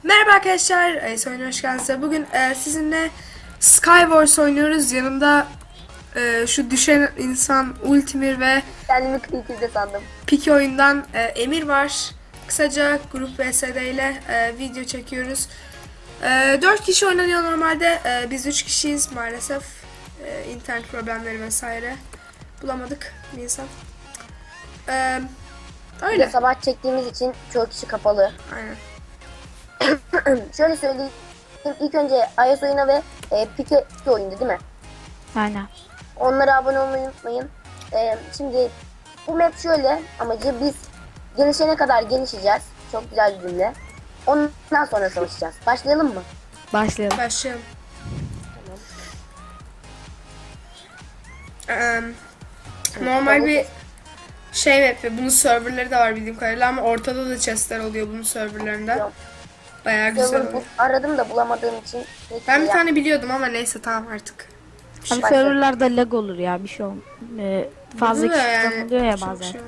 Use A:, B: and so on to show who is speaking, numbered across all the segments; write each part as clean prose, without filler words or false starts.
A: Merhaba arkadaşlar, oyuna hoş geldiniz. Bugün sizinle Skywars oynuyoruz. Yanımda şu düşen insan Ultimir ve
B: Kendimi Creative'de sandım.
A: Piki oyundan Emir var. Kısaca grup VSD ile video çekiyoruz. 4 kişi oynanıyor normalde. Biz 3 kişiyiz maalesef. İnternet problemleri vesaire bulamadık bir insan. Öyle.
B: Sabah çektiğimiz için çoğu kişi kapalı.
A: Aynen.
B: Şöyle söyleyeyim. İlk önce iOS oyuna ve Pike oyundu değil mi?
C: Aynen.
B: Onlara abone olmayı unutmayın. Şimdi bu map şöyle. Amacı biz gelişene kadar gelişeceğiz. Çok güzel bir cümle. Ondan sonra savaşacağız. Başlayalım mı?
C: Başlayalım.
A: Başlayalım. Normal bir şey map. Bunun serverları da var bildiğim kadarıyla ama ortada da chestler oluyor bunun serverlarında.
B: Yok.
A: Bayağı güzel
B: Server
A: oluyor.
B: aradım da bulamadığım için.
A: Ben bir tane biliyordum ama neyse tamam artık.
C: Abi serverlarda lag olur ya bir şey olmaz. Fazla
A: Burada
C: kişi
A: yani
C: oluyor ya
A: çok
C: bazen.
A: şey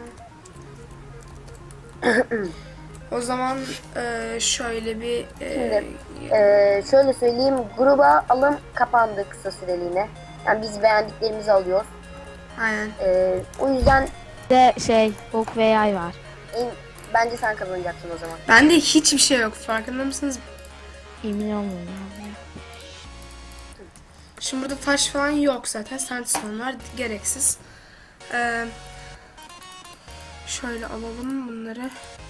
A: O zaman şöyle bir
B: Şöyle söyleyeyim. Gruba alım kapandı kısa süreliğine. Yani biz beğendiklerimizi alıyoruz.
A: aynen.
B: O yüzden
C: Bir de ok ve yay var.
B: bence sen kazanacaksın o zaman.
A: Bende hiçbir şey yok, farkında mısınız?
C: Emin olmuyorum abi.
A: Şimdi burada taş falan yok zaten. Sandstone var, gereksiz. Şöyle alalım bunları.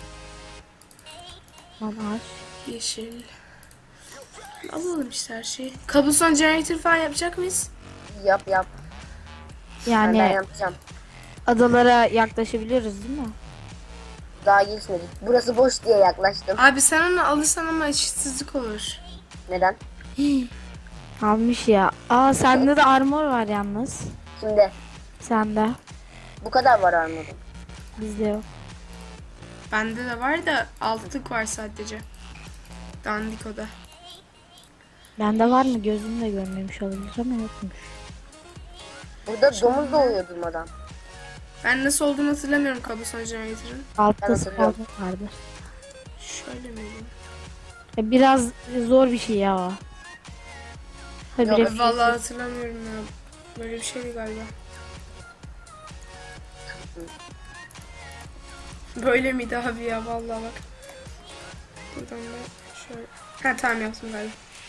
C: Var.
A: Yeşil. Alalım işte her şeyi. Cobblestone generator falan yapacak mıyız?
B: Yap. Ben
C: Yani
B: yapacağım.
C: adalara yaklaşabiliyoruz değil mi?
B: Daha gelişmedik. Burası boş diye yaklaştım.
A: Abi sen onu alırsan ama eşitsizlik olur.
B: Neden?
C: Almış ya. Aa sende de armor var yalnız.
B: Şimdi
C: Sende.
B: bu kadar var armorum.
C: Bizde yok.
A: Bende de var da altlık var sadece. Dandik o da.
C: Bende var mı? Gözüm de görmemiş olabilir ama yokmuş.
B: Burada domuz doğuyor durmadan.
A: Ben nasıl olduğunu hatırlamıyorum Cobblestone generator'ın.
C: Altta
B: Ben
C: spawn
B: hatırlıyorum.
C: vardı.
A: Şöyle miydi?
C: Biraz zor bir şey ya o. Habire
B: Yok,
A: Vallahi hatırlamıyorum ya. Böyle bir şeydi galiba. Böyle miydi abi ya, vallahi bak. Buradan da şöyle. Ha tamam, yaptım galiba.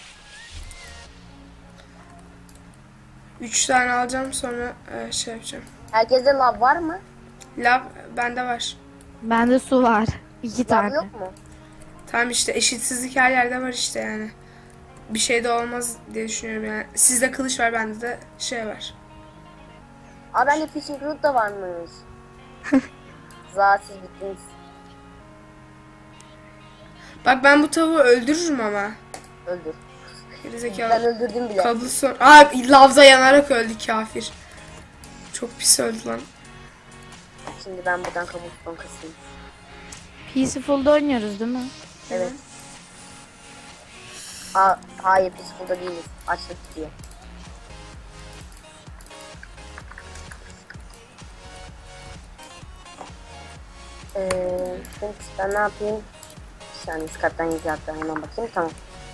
A: 3 tane alacağım, sonra şey yapacağım.
B: Herkeste lav var mı?
A: Lav bende var.
C: Bende su var. 2
B: Lav
C: tane.
B: yok mu?
A: Tamam işte, eşitsizlik her yerde var işte yani. Bir şey de olmaz diye düşünüyorum yani. Sizde kılıç var, bende de şey var.
B: Aa bende fishing rod da varmış. Siz bittiniz.
A: Bak ben bu tavuğu öldürürüm ama.
B: Öldür.
A: Gerizekalı.
B: Ben öldürdüm bile.
A: Cobblestone. Aa, lavda yanarak öldü kafir. Çok pis öldü lan.
B: Şimdi ben buradan kabuktan kasayım.
C: Peaceful'da oynuyoruz değil mi?
B: Evet. Hayır biz burada değiliz. Açlık diye. Şimdi ben ne yapayım? Bir saniye Skype'dan yazı hatta hemen bakayım, tamam.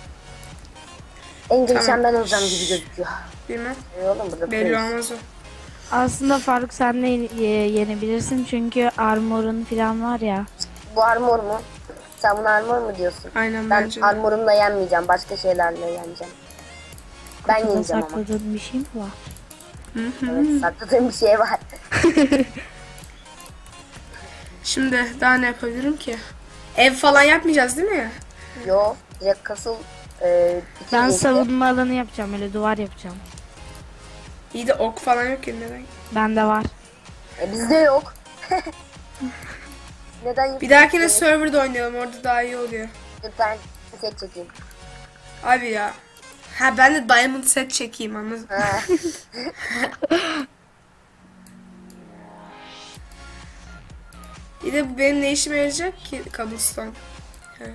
B: En gelişen ben olacağım gibi gözüküyor.
A: Bilmem.
B: Oğlum burada
A: Belli
B: polis.
A: olmaz o.
C: Aslında Faruk sen de yenebilirsin çünkü armorun falan var ya.
B: Bu armor mu? Sen buna armor mu diyorsun?
A: Aynen,
B: Ben
A: bence de.
B: armorumla yenmeyeceğim. Başka şeylerle yeneceğim. Ben
C: Kutuda
B: yeneceğim ama.
C: sakladığın bir şey mi var?
B: Evet, sakladığım bir şey var.
A: Şimdi daha ne yapabilirim ki? Ev falan yapmayacağız değil mi?
B: Yo, direkt kasıl. İki
C: Ben
B: geçti.
C: savunma alanı yapacağım, öyle duvar yapacağım.
A: İyi de ok falan yok ki, neden?
C: Bende var.
B: Bizde yok. Neden
A: Bir dahakine serverda oynayalım, orada daha iyi oluyor.
B: Ben set çekeyim.
A: Abi ya. Ha, ben de diamond set çekeyim, anladın?
B: Ha.
A: Bir de bu benim ne işime yarayacak ki cobblestone? He.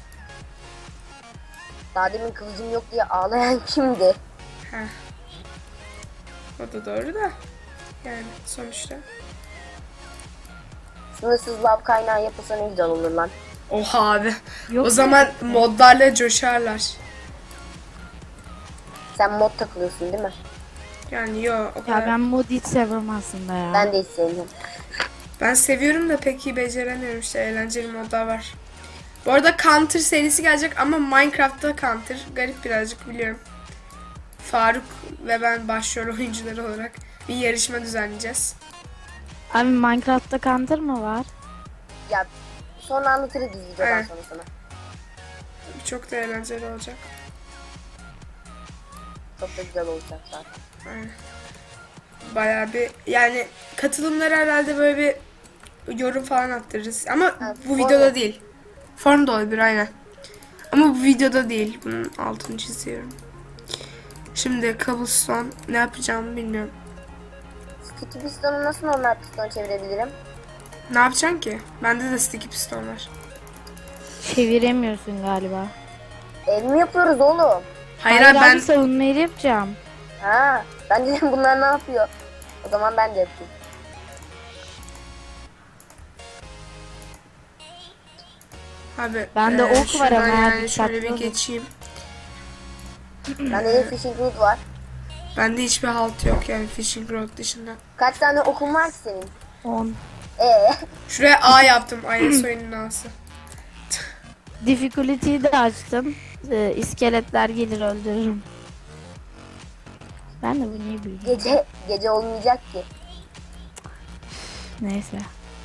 B: Daha demin kılıcım yok diye ağlayan kimdi?
A: Ha. O da doğru da. Yani sonuçta.
B: Sınırsız lav kaynağı yapılsa ne güzel olur lan.
A: Oha abi.
C: Yok
A: O zaman
C: mu?
A: modlarla coşarlar.
B: Sen mod takılıyorsun değil mi?
A: Yani yo o
C: Ya
A: kadar.
C: ben mod hiç sevmem aslında ya.
B: Ben de hiç sevmiyorum.
A: Ben seviyorum da pek iyi beceremiyorum, işte eğlenceli modlar var. Bu arada Counter serisi gelecek ama Minecraft'ta Counter. Garip birazcık, biliyorum. Faruk ve ben başrol oyuncuları olarak bir yarışma düzenleyeceğiz.
C: Abi Minecraft'ta Counter mı var?
B: Ya sonra anlatırız biz videodan
A: Evet.
B: sonra sana.
A: Çok da eğlenceli olacak.
B: Çok da güzel olacak zaten.
A: Aynen. Bayağı bir, yani katılımları herhalde böyle bir yorum falan attırırız. Ama
B: Evet,
A: bu
B: form.
A: videoda değil. Form da olabilir aynen. Ama bu videoda değil. Bunun altını çiziyorum. Şimdi cobblestone ne yapacağımı bilmiyorum.
B: Sticky pistonu nasıl normal piston çevirebilirim?
A: Ne yapacaksın ki? Bende de sticky piston var.
C: Çeviremiyorsun galiba.
B: Ev mi yapıyoruz oğlum?
A: Hayır,
C: Hayır
A: ben
C: abi, savunmayı yapacağım.
B: Ha, ben dedim bunlar ne yapıyor? O zaman ben de yapayım.
A: abi
C: Bende ok var
A: şuradan
C: ama
A: yani
C: dikkatli
A: şöyle bir
C: olun.
A: geçeyim.
B: Bende de fishing rod var.
A: Bende hiçbir halt yok yani fishing rod dışında.
B: Kaç tane okun var ki senin?
C: 10.
A: Şuraya A yaptım. IS oyunun A'sı.
C: Difficulty'yi de açtım. İskeletler gelir öldürürüm. Ben de bu niye bilmiyorum.
B: Gece olmayacak ki.
C: Neyse.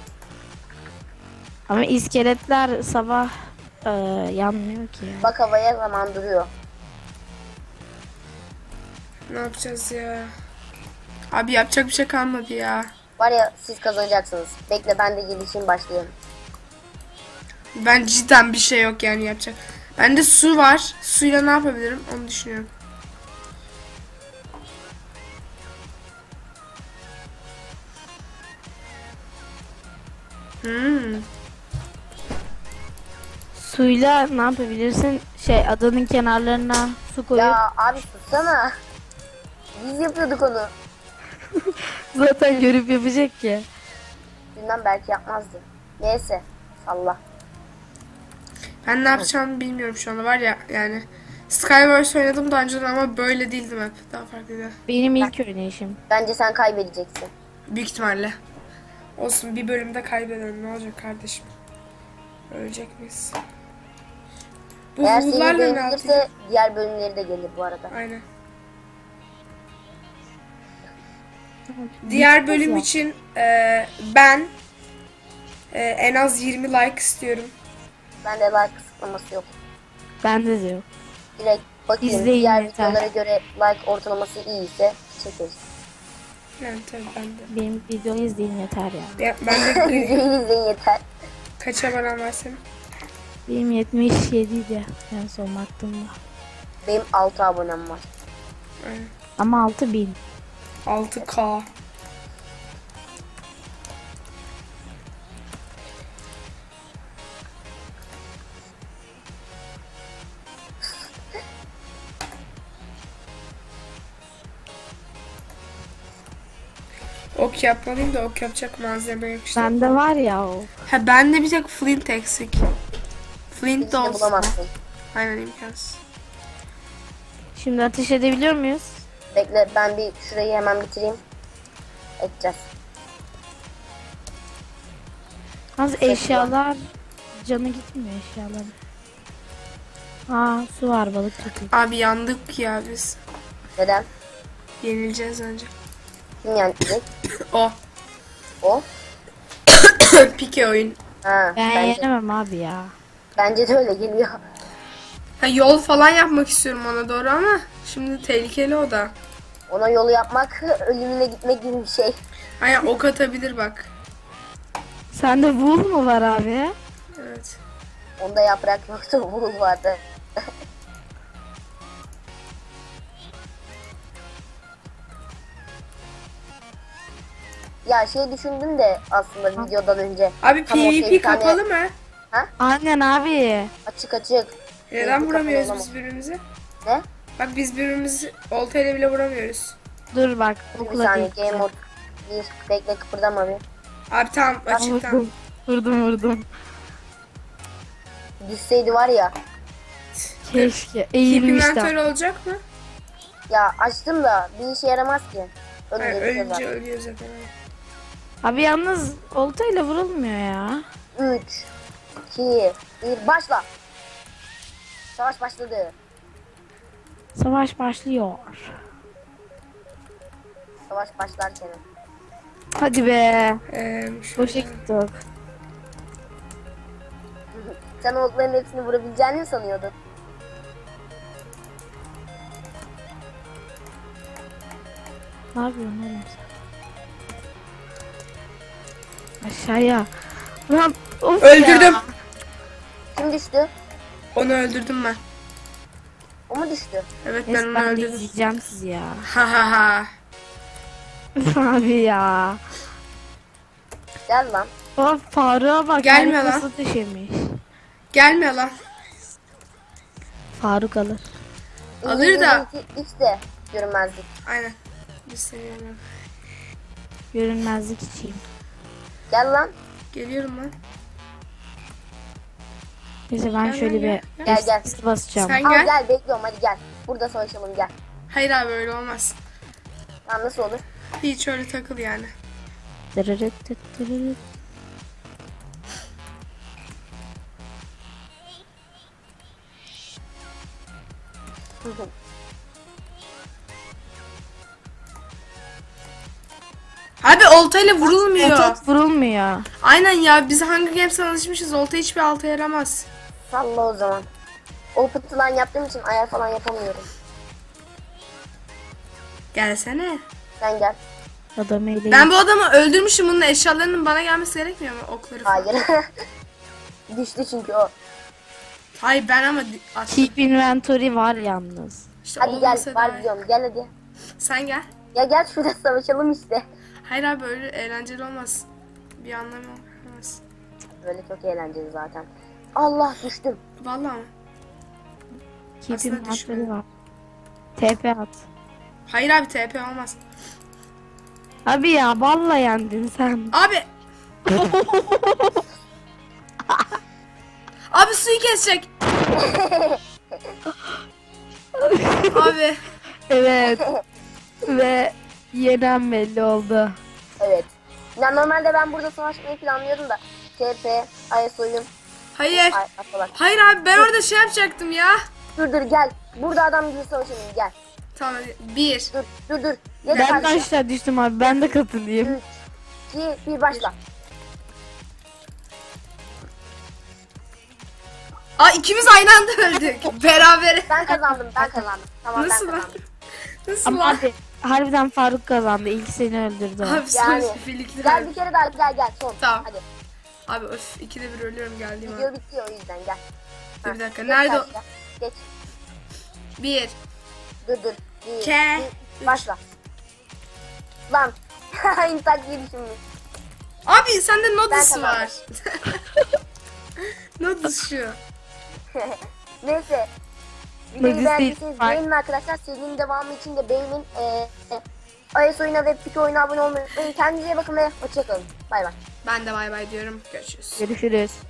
C: Ama iskeletler sabah yanmıyor ki.
B: Bak havaya zaman duruyor.
A: Ne yapacağız ya? Abi yapacak bir şey kalmadı ya.
B: Var ya siz kazanacaksınız. Bekle ben de gelişeyim başlayalım.
A: Ben cidden bir şey yok yani yapacak. Bende su var. Suyla ne yapabilirim onu düşünüyorum.
C: Suyla ne yapabilirsin? Adanın kenarlarına su koyup
B: Ya abi sussana. Biz yapıyorduk onu.
C: zaten görüp yapacak ki.
B: Bilmem belki yapmazdı. Neyse salla.
A: Ben ne yapacağımı bilmiyorum şu anda, var ya yani. Skywars oynadım daha önceden ama böyle değildim hep. Daha farklıydı.
C: Benim ilk oynayışım.
B: Bence sen kaybedeceksin.
A: Büyük ihtimalle. Olsun, bir bölümde kaybedelim. Ne olacak kardeşim? Ölecek miyiz? Bu
B: Eğer seni
A: wool'larla ne yapacağız?
B: beğenirse diğer bölümleri de gelir bu arada.
A: Aynen. Diğer
C: Bitmez
A: bölüm
C: ya.
A: için ben en az 20 like istiyorum.
B: Bende like kısıtlaması yok.
C: Bende de yok.
B: Direkt bakayım
C: İzleyin
B: diğer
C: yeter.
B: videolara göre like ortalaması iyiyse çekeriz.
A: Yani tabii ben de.
C: Benim videoyu izleyin yeter ya.
A: Ben de
B: Videoyu izleyin yeter.
A: kaç abonem var senin?
C: Benim 77 idi en son baktığımda.
B: Benim 6 abonem var.
A: Aynen.
C: Ama 6000.
A: 6K. Ok yapmalıyım da ok yapacak malzeme yok işte.
C: Bende var ya o.
A: Ha, bende bir tek flint eksik. Flint
B: Hiç
A: de
B: de
A: olsun.
B: bulamazsın.
A: Aynen, imkansız.
C: Şimdi ateş edebiliyor muyuz?
B: Bekle ben bir şurayı hemen bitireyim. Edeceğiz.
C: Az eşyalar canı gitmiyor eşyaların. Aa, su var, balık tutuyor.
A: Abi yandık ya biz.
B: Neden?
A: Yenileceğiz önce.
B: Kim yenecek?
A: O.
B: O.
A: Pike oyun.
B: Ha,
C: Ben
B: bence,
C: yenemem abi ya.
B: bence de öyle geliyor.
A: Ha, yol falan yapmak istiyorum ona doğru ama şimdi tehlikeli o da.
B: Ona yolu yapmak ölümüne gitmek gibi bir şey.
A: Aynen, ok atabilir bak.
C: Sende wool mu var abi?
A: Evet.
B: Onda yaprak yoktu, bu vardı. Ya şey düşündüm de aslında videodan önce.
A: Abi
B: Tam ortaya
A: PvP
B: bir tane-
A: kapalı mı?
C: Aynen abi.
B: Açık açık.
A: Neden
B: PvP
A: vuramıyoruz
B: kapalı
A: biz birbirimizi?
B: Ne?
A: Bak biz birbirimizi oltayla bile vuramıyoruz.
C: Dur bak,
B: Bir
C: okula
B: saniye
C: geçeceğim.
B: game mode. Bir bekle kıpırdama bir.
A: Abi tamam, açık tamam.
C: Vurdum. Vurdum.
B: Düşseydi var ya.
C: Keşke
A: Keep
C: eğilmiştim.
A: inventory olacak mı?
B: Ya açtım da bir işe yaramaz ki.
A: Hayır,
B: Önce bir
A: ölünce ölüyor zaten.
C: Abi yalnız oltayla vurulmuyor ya.
B: 3, 2, 1 başla. Savaş başladı.
C: Savaş başlıyor.
B: Savaş başlarken.
C: Hadi be.
A: Şöyle.
C: Boşa gittik.
B: Sen o okların hepsini vurabileceğini mi sanıyordun?
C: Ne yapıyorsun oğlum sen? Aşağıya. Lan of
A: Öldürdüm.
C: ya.
B: Kim düştü?
A: Onu öldürdüm ben.
B: O mu düştü?
A: Evet ben
C: Neyse
A: onu
C: ben de
A: öldürdüm.
C: izleyeceğim sizi ya.
A: Ha ha ha.
C: Abi ya.
B: Gel lan.
C: Of Faruk'a bak.
A: Gelmiyor
C: herif
A: lan.
C: nasıl düşemiş.
A: Gelmiyor lan.
C: Faruk alır.
A: Alır da.
B: X de görünmezlik.
A: Aynen. Biz seni yemiyorum.
C: Görünmezlik içeyim.
B: Gel lan.
A: Geliyorum lan.
C: Neyse ben
A: Gel,
C: şöyle
A: gel,
C: bir
B: gel. Gel.
C: X basacağım.
A: Sen
B: Al
A: gel.
B: gel bekliyorum hadi gel. Burada savaşalım gel.
A: Hayır abi öyle olmaz.
B: Lan nasıl olur?
A: Hiç öyle takıl yani.
C: Dırırıt tıt dırırıt.
A: Abi oltayla vurulmuyor.
C: Çok vurulmuyor.
A: Aynen ya biz Hunger Games'e alışmışız. Olta hiçbir alta yaramaz.
B: Salla o zaman. O pıtılan yaptığım için ayar falan yapamıyorum.
A: Gelsene.
B: Sen gel.
C: Adam eğleyin.
A: Ben bu adamı öldürmüşüm. Bunun eşyalarının bana gelmesi gerekmiyor mu? Okları falan.
B: Hayır. Düştü çünkü o.
A: Hayır ben ama attım.
C: Keep inventory var yalnız.
A: İşte
B: Hadi gel
A: olmasa
B: var
A: da.
B: diyorum gel hadi.
A: Sen gel.
B: Ya gel şurada savaşalım işte.
A: Hayır abi öyle eğlenceli olmaz. Bir anlamı olmaz.
B: Böyle çok eğlenceli zaten. Allah düştüm.
A: Vallahi mi?
C: Keep
A: Aslında
C: inventory
A: düşmedi.
C: var. TP at.
A: Hayır abi TP olmaz.
C: Abi ya balla yendin sen.
A: Abi. Abi suyu kesecek. Abi.
C: Evet. Ve yenen belli oldu.
B: Evet. Ya normalde ben burada savaşmayı planlıyordum da. TP, ISO'yum.
A: Hayır.
B: Ay falan.
A: Hayır abi ben orada şey yapacaktım ya.
B: Dur gel. Burada adam gibi savaşalım gel.
A: Tamam hadi. 1.
B: Dur. Geç
C: Ben
B: karşıya.
C: kaçta düştüm abi, ben de katılayım.
B: 3, 2, 1 başla.
A: Aa ikimiz aynı anda öldük. Beraber.
B: Ben kazandım. Tamam
A: Nasıl
B: ben
A: lan?
B: kazandım.
A: Nasıl
C: Ama
A: lan?
C: abi harbiden Faruk kazandı. İlk seni öldürdü.
A: Abi
B: Yani.
A: sonra birlikte
B: Gel
A: öldük.
B: bir kere daha gel son.
A: Tamam.
B: Hadi.
A: Abi öf ikide bir ölüyorum geldiğim
B: Video
A: an.
B: bitiyor o yüzden gel.
A: Dur
B: Ha,
A: bir dakika
B: geç
A: nerede o?
B: karşıya. Geç.
A: 1.
B: Dur. Bir,
A: Ke-
B: bir, başla. Lan. İnsan diye düşünmüş.
A: Abi sende Nodus
B: Ben
A: var. Nodus şu.
B: Neyse.
C: Neyse,
B: Videoyu beğendiyseniz
C: bye.
B: beğenin arkadaşlar. Serinin devamı için de beğenin. iOS oyuna ve Piki oyuna abone olmayı unutmayın. Kendinize iyi bakın ve hoşçakalın. Bay bay.
A: Ben de bay bay diyorum. Görüşürüz.
C: Görüşürüz.